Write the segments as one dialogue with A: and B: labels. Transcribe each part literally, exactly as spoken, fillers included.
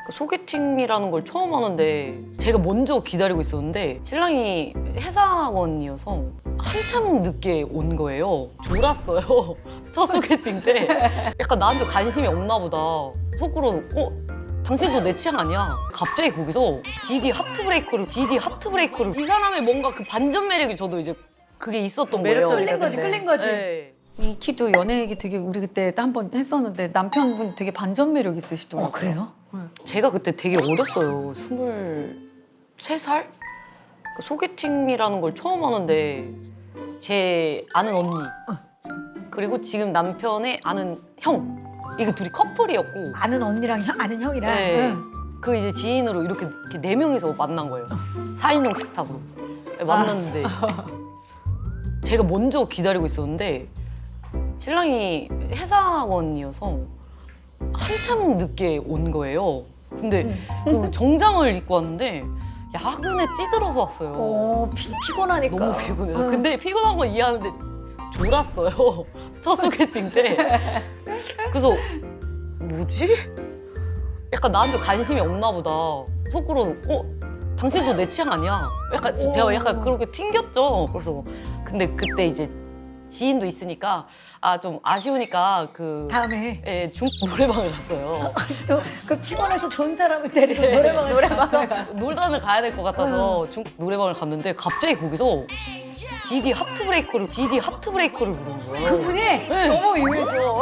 A: 그 소개팅이라는 걸 처음 하는데 제가 먼저 기다리고 있었는데 신랑이 회사원이어서 한참 늦게 온 거예요. 졸았어요. 첫 소개팅 때. 약간 나한테 관심이 없나 보다. 속으로 어? 당신도 내 취향 아니야. 갑자기 거기서 지디 하트브레이커를 지디 하트브레이커를 이 사람의 뭔가 그 반전 매력이 저도 이제 그게 있었던 거예요.
B: 매력적이다.
C: 끌린 거지,
B: 근데.
C: 끌린 거지.
A: 네.
B: 이 키도 연애 얘기 되게 우리 그때 한 번 했었는데 남편분 되게 반전 매력 있으시더라고요.
C: 어, 그래요?
A: 제가 그때 되게 어렸어요. 스물세 살? 그 소개팅이라는 걸 처음 하는데 제 아는 언니 그리고 지금 남편의 아는 형 이게 둘이 커플이었고
C: 아는 언니랑 형, 아는 형이랑.
A: 네.
C: 응.
A: 그 이제 지인으로 이렇게, 이렇게 네 명이서 만난 거예요. 사 인용 식탁으로 네, 만났는데 제가 먼저 기다리고 있었는데 신랑이 회사원이어서 한참 늦게 온 거예요. 근데 그 정장을 입고 왔는데 야근에 찌들어서 왔어요.
C: 어, 피, 피곤하니까.
A: 너무 피곤해요.
C: 응.
A: 근데 피곤한 건 이해하는데 졸았어요. 첫 소개팅 때. 그래서 뭐지? 약간 나한테 관심이 없나 보다. 속으로 어? 당신도 내 취향 아니야. 약간
C: 오.
A: 제가 약간 그렇게 튕겼죠. 그래서 근데 그때 이제 지인도 있으니까 아 좀 아쉬우니까 그
C: 다음에
A: 예, 중국 노래방을 갔어요.
C: 또 그 피곤해서 좋은 사람을 데리고 노래방을 노래방을 갔어.
A: 놀다는 가야 될 것 같아서 중국 노래방을 갔는데 갑자기 거기서 지디 하트브레이커를 지디 하트브레이커를 부르는 거예요.
C: 그분이
A: 네. 너무 유해져.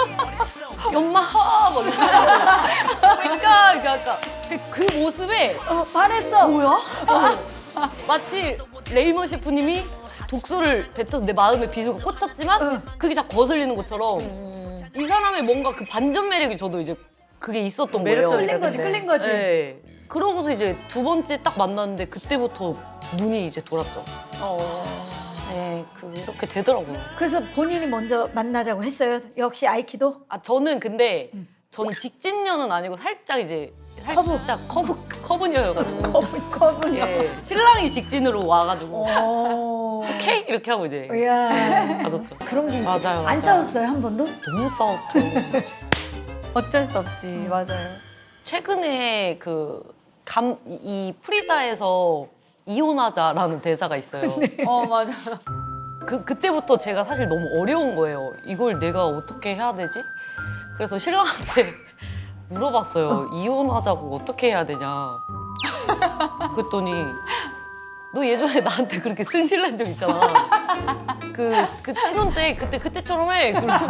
A: 연마하 막 이러면서 그러니까 그러니까 그 모습에
C: 어, 반했어.
A: 뭐야? 마치 레이먼 셰프님이 독소를 뱉어서 내 마음에 비수가 꽂혔지만
C: 응.
A: 그게 자꾸 거슬리는 것처럼 이 사람의 뭔가 그 반전 매력이 저도 이제 그게 있었던 거예요.
B: 매력적이다.
C: 끌린 거지,
B: 근데.
C: 끌린 거지.
A: 네. 그러고서 이제 두 번째 딱 만났는데 그때부터 눈이 이제 돌았죠.
B: 어.
A: 네, 그 이렇게 되더라고요.
C: 그래서 본인이 먼저 만나자고 했어요. 역시 아이키도.
A: 아 저는 근데 저는 직진녀는 아니고 살짝 이제 살짝 커브 커브녀여가지고
C: 거분, 거분요.
A: 예, 신랑이 직진으로 와가지고
C: 오.
A: 오케이 이렇게 하고 이제
C: 이야.
A: 가졌죠.
C: 그런 게 있지.
A: 맞아요,
C: 안
A: 맞아요.
C: 싸웠어요, 한 번도?
A: 너무 싸웠죠.
B: 어쩔 수 없지. 맞아요.
A: 최근에 그 감 이 프리다에서 이혼하자라는 대사가 있어요.
B: 어 맞아.
A: 그 그때부터 제가 사실 너무 어려운 거예요. 이걸 내가 어떻게 해야 되지? 그래서 신랑한테 물어봤어요. 이혼하자고 어떻게 해야 되냐. 그랬더니 너 예전에 나한테 그렇게 승질난 적 있잖아. 그, 그 신혼 때 그때 그때처럼 해. 그러고.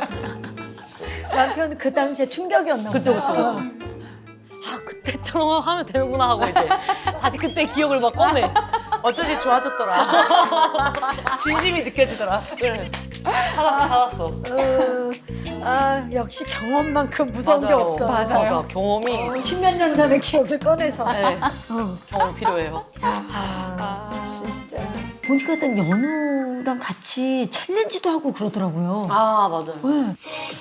C: 남편 그 당시에 충격이었나 보다.
A: 그쵸, 그쵸, 그쵸. 아 그때처럼 하면 되는구나 하고 이제 다시 그때 기억을 막 꺼내.
B: 어쩐지 좋아졌더라. 진심이 느껴지더라.
A: 그래. 살았어, 살았어.
C: 어, 아, 역시 경험만큼 무서운 게
A: 맞아요.
C: 없어.
B: 맞아요.
A: 맞아, 경험이
C: 십몇 년 전의 기억을 꺼내서.
A: 네,
C: 어.
A: 경험 필요해요.
C: 아, 진짜. 보니까 일단 연우랑 같이 챌린지도 하고 그러더라고요.
A: 아 맞아요.
C: 네.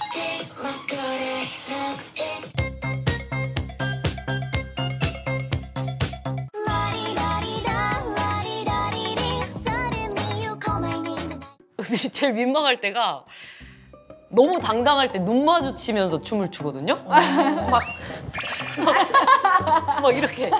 A: 제일 민망할 때가 너무 당당할 때 눈 마주치면서 춤을 추거든요. 막, 막, 막 이렇게.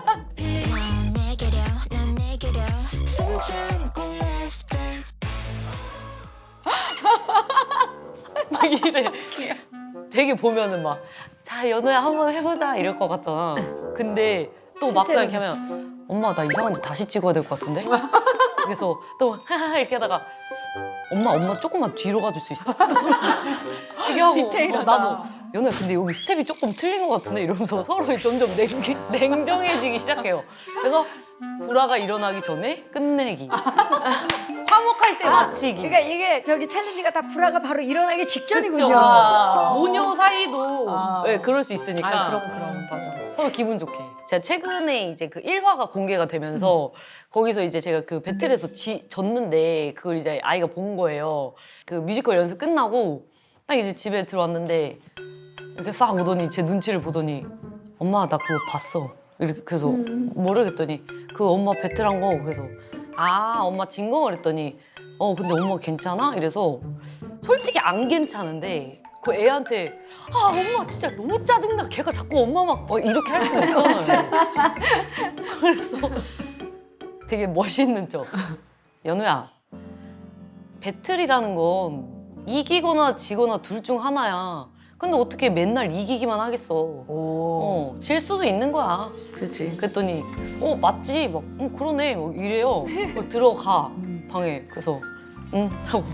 A: 막 이래. 되게 보면은 막, 자, 연우야 한번 해보자 이럴 것 같잖아. 근데 또 막상 이렇게 하면, 엄마 나 이상한데 다시 찍어야 될 것 같은데? 그래서 또 하하 이렇게 하다가 엄마 엄마 조금만 뒤로 가줄 수 있어? 이게 하고
B: 디테일하다.
A: 어, 나도 연우야 근데 여기 스텝이 조금 틀린 것 같은데 이러면서 서로 점점 냉, 냉정해지기 시작해요. 그래서 불화가 일어나기 전에 끝내기. 화목할 때 마치기.
C: 그러니까 이게 저기 챌린지가 다 불화가 바로 일어나기 직전이군요.
A: 그쵸.
B: 아.
A: 모녀 사이도
B: 아.
A: 네, 그럴 수 있으니까
B: 아 그럼 그럼 맞아.
A: 서로 기분 좋게. 제가 최근에 이제 그 일 화가 공개가 되면서 거기서 이제 제가 그 배틀에서 지, 졌는데 그걸 이제 아이가 본 거예요. 그 뮤지컬 연습 끝나고 딱 이제 집에 들어왔는데 이렇게 싹 오더니 제 눈치를 보더니 엄마 나 그거 봤어. 이렇게 그래서 모르겠더니 그 엄마 배틀한 거 그래서 아 엄마 진 거 그랬더니 어 근데 엄마 괜찮아? 이래서 솔직히 안 괜찮은데 그 애한테 아 엄마 진짜 너무 짜증나. 걔가 자꾸 엄마 막 어, 이렇게 할 수는 없잖아요. 그래서 되게 멋있는 척. 연우야, 배틀이라는 건 이기거나 지거나 둘 중 하나야. 근데 어떻게 맨날 이기기만 하겠어.
C: 오.
A: 어, 질 수도 있는 거야.
C: 그렇지.
A: 그랬더니 어 맞지 막 응, 그러네 막 이래요. 어, 들어가 방에. 그래서 응 하고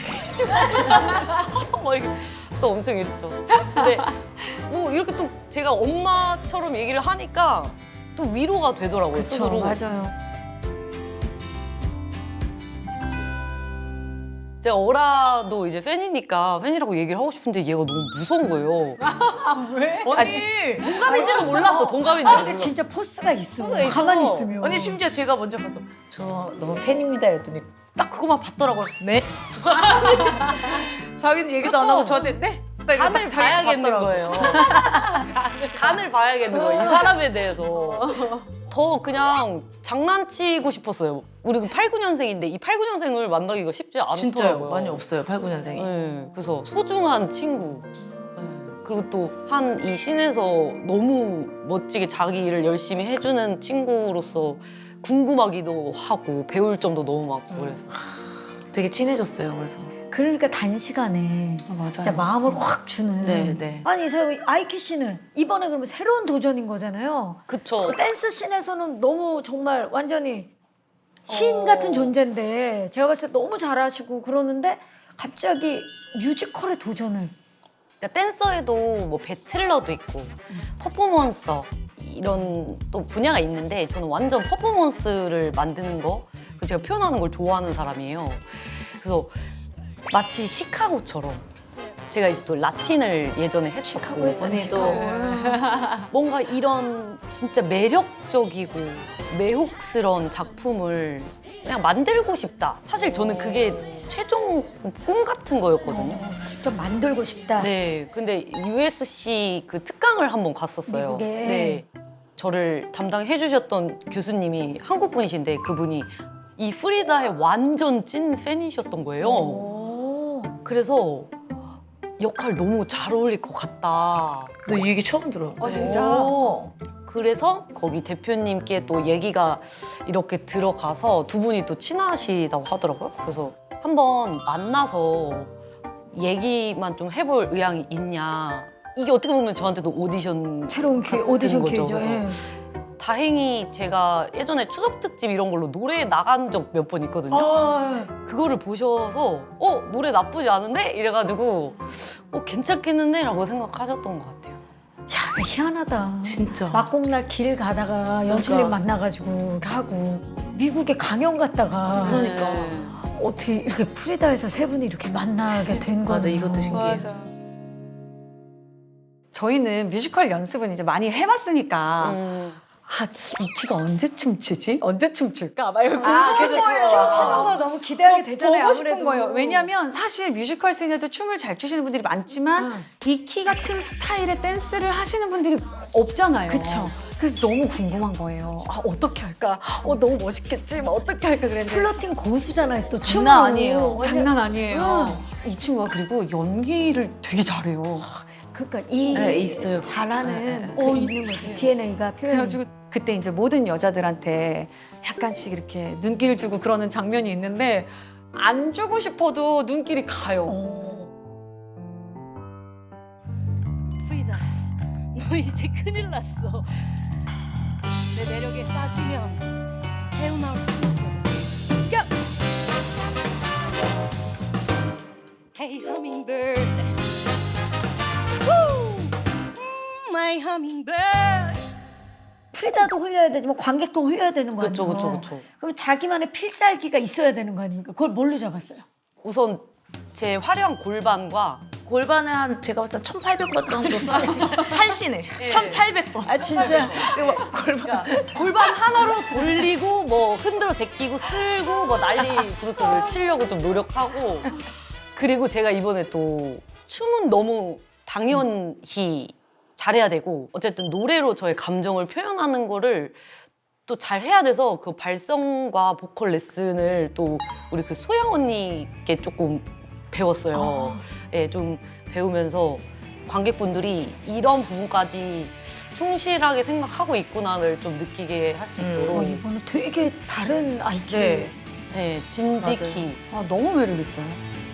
A: 막 이렇게 또 엄청 이랬죠. 근데 뭐 이렇게 또 제가 엄마처럼 얘기를 하니까 또 위로가 되더라고요.
C: 그쵸,
A: 스스로.
C: 맞아요.
A: 제가 어라도 이제 팬이니까 팬이라고 얘기를 하고 싶은데 얘가 너무 무서운 거예요.
C: 왜?
D: 언니,
A: 동갑인지는 몰랐어. 동갑인지
C: 아, 근데
A: 몰랐어.
C: 진짜 포스가 있어.
A: 포스가 있어서.
C: 가만히 있으면.
D: 언니 심지어 제가 먼저 가서
C: 저 너무 팬입니다 이랬더니
D: 딱 그거만 봤더라고요. 네. 자기는 얘기도 안 하고 저한테 네. 딱 이거
A: 간을
D: 딱 자기가
A: 봐야겠는
D: 봤더라고.
A: 거예요. 간을 봐야겠는 거예요. 이 사람에 대해서. 더 그냥 장난치고 싶었어요. 우리 그 팔, 구 년생인데 이 팔, 구 년생을 만나기가 쉽지 않더라고요.
D: 진짜요. 많이 없어요. 팔, 구 년생이.
A: 네, 그래서 소중한 친구. 네, 그리고 또 한 이 씬에서 너무 멋지게 자기 일을 열심히 해주는 친구로서 궁금하기도 하고 배울 점도 너무 많고 그래서
D: 되게 친해졌어요. 그래서.
C: 그러니까 단시간에
B: 아, 맞아요.
C: 진짜 마음을 확 주는.
D: 네, 네.
C: 아니 저 아이키 씨는 이번에 그러면 새로운 도전인 거잖아요.
A: 그쵸.
C: 그 댄스 씬에서는 너무 정말 완전히 신
A: 어.
C: 같은 존재인데 제가 봤을 때 너무 잘하시고 그러는데 갑자기 뮤지컬에 도전을.
A: 그러니까 댄서에도 뭐 배틀러도 있고 퍼포먼서 이런 또 분야가 있는데 저는 완전 퍼포먼스를 만드는 거 그리고 제가 표현하는 걸 좋아하는 사람이에요. 그래서 마치 시카고처럼 제가 이제 또 라틴을 예전에 했었고
C: 시카고 했잖아요.
D: 언니도.
C: 시카고.
A: 뭔가 이런 진짜 매력적이고 매혹스러운 작품을 그냥 만들고 싶다. 사실 저는 그게 최종 꿈 같은 거였거든요.
C: 어, 직접 만들고 싶다.
A: 네, 근데 유에스씨 그 특강을 한번 갔었어요.
C: 미국에.
A: 네, 저를 담당해 주셨던 교수님이 한국 분이신데 그분이 이 프리다의 완전 찐 팬이셨던 거예요.
C: 오.
A: 그래서 역할 너무 잘 어울릴 것 같다.
D: 너 이 얘기 처음 들어.
B: 어, 진짜?
C: 오.
A: 그래서 거기 대표님께 또 얘기가 이렇게 들어가서 두 분이 또 친하시다고 하더라고요. 그래서 한번 만나서 얘기만 좀 해볼 의향이 있냐. 이게 어떻게 보면 저한테도 오디션
C: 새로운 기회,
A: 같은
C: 오디션
A: 거죠.
C: 기회죠.
A: 그래서
C: 예.
A: 다행히 제가 예전에 추석 특집 이런 걸로 노래에 나간 적 몇 번 있거든요.
C: 아,
A: 그거를 보셔서 어 노래 나쁘지 않은데 이래가지고 어 괜찮겠는데 라고 생각하셨던 것 같아요.
C: 야, 희한하다.
D: 진짜.
C: 막공날 길 가다가 연출님
D: 그러니까.
C: 만나가지고 하고 미국에 강연 갔다가
D: 그러니까.
A: 네.
C: 어떻게 이렇게 프리다에서 세 분이 이렇게 만나게 된 거예요.
D: 맞아, 이것도 신기해.
B: 맞아. 저희는 뮤지컬 연습은 이제 많이 해봤으니까
A: 음.
B: 아, 이 키가 언제 춤추지? 언제 춤출까? 막 이렇게
C: 아,
B: 궁금한
C: 그죠.
B: 거예요.
C: 춤추는 걸 너무 기대하게 되잖아요.
B: 보고 싶은
C: 아무래도.
B: 거예요. 왜냐면 사실 뮤지컬 씬에도 춤을 잘 추시는 분들이 많지만
C: 응.
B: 이 키 같은 스타일의 댄스를 하시는 분들이 없잖아요.
C: 그쵸.
B: 그래서 너무 궁금한 거예요. 아, 어떻게 할까? 어, 너무 멋있겠지? 막 어떻게 할까 그랬는데
C: 플러팅 고수잖아요. 또 춤은
D: 장난 아니에요.
B: 장난 아니에요.
C: 응.
B: 이 친구가 그리고 연기를 되게 잘해요.
C: 그러니까 이
D: 네, 있어요.
C: 잘하는
D: 네, 네.
C: 그 있는 거지. 디엔에이가 표현이.
B: 그래가지고 그때 이제 모든 여자들한테 약간씩 이렇게 눈길 주고 그러는 장면이 있는데 안 주고 싶어도 눈길이 가요.
C: 오.
E: 프리다, 너 이제 큰일 났어. 내 매력에 빠지면 헤어나올 수 없거든. Go! Hey hummingbird, Woo! Mm, my hummingbird.
C: 프리다도 흘려야 되지만 관객도 흘려야 되는 거 아니에요?
A: 그쵸 그쵸 그쵸.
C: 그럼 자기만의 필살기가 있어야 되는 거 아닙니까? 그걸 뭘로 잡았어요?
A: 우선 제 화려한 골반과
D: 골반은 한 제가 봤을 때 천팔백 번 정도 한 씬에 천팔백 번.
C: 아 진짜?
D: 이거 막 골반.
A: 골반 하나로 돌리고 뭐 흔들어 제끼고 쓸고 뭐 난리 브루스를 치려고 좀 노력하고 그리고 제가 이번에 또 춤은 너무 당연히 잘해야 되고 어쨌든 노래로 저의 감정을 표현하는 거를 또 잘 해야 돼서 그 발성과 보컬 레슨을 또 우리 그 소영 언니께 조금 배웠어요. 예, 좀 배우면서 관객분들이 이런 부분까지 충실하게 생각하고 있구나를 좀 느끼게 할 수
D: 음.
A: 있도록
C: 어, 이거는 되게 다른 아이큐.
A: 네, 네, 진직히
B: 아, 너무 매력 있어요.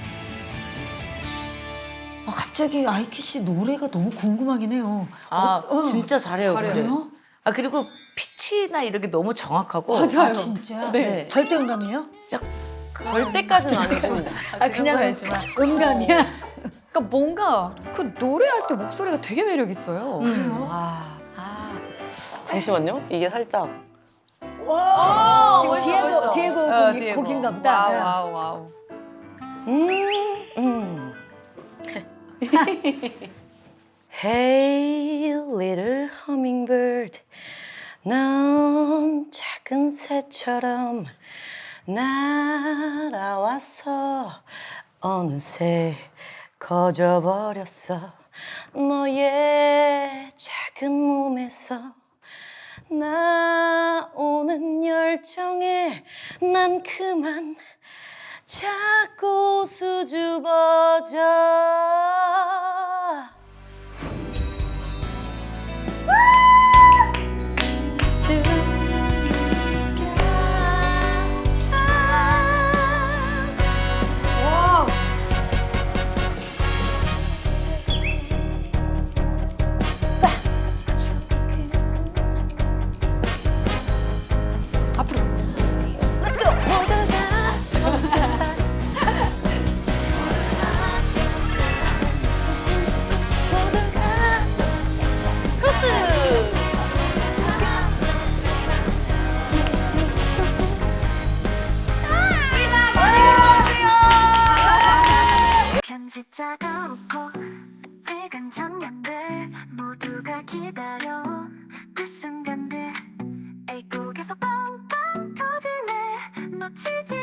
C: 아, 갑자기 아이큐 씨 노래가 너무 궁금하긴 해요.
D: 아
C: 어, 어.
D: 진짜 잘해요. 근데.
C: 그래요?
D: 아 그리고 피치나 이런 게 너무 정확하고.
B: 맞아요.
C: 아, 진짜?
D: 네.
C: 절대음감이에요?
A: 절대까지는 아니고
C: 아, 그냥
D: 알지만.
C: 음감이야?
B: 그러니까 뭔가 그 노래할 때 목소리가 되게 매력 있어요.
C: 그래요?
A: 아,
B: 아,
A: 잠시만요. 이게 살짝
C: 와, 지금
D: 멋있어,
C: 디에고,
D: 멋있어.
C: 디에고
D: 어,
C: 곡이,
D: 디에고.
C: 곡인가 보다. 네.
B: 와우 와우.
A: 음, 음. Hey little hummingbird 넌 작은 새처럼 날아와서 어느새 커져버렸어 너의 작은 몸에서 나오는 열정에 난 그만 자꾸 수줍어져
C: 와우.
A: Let's go! 크로스!
F: 편집자가 웃고 찍은 장면들 모두가 기다려 그 순간들 애국에서 빵빵 터지네 놓치지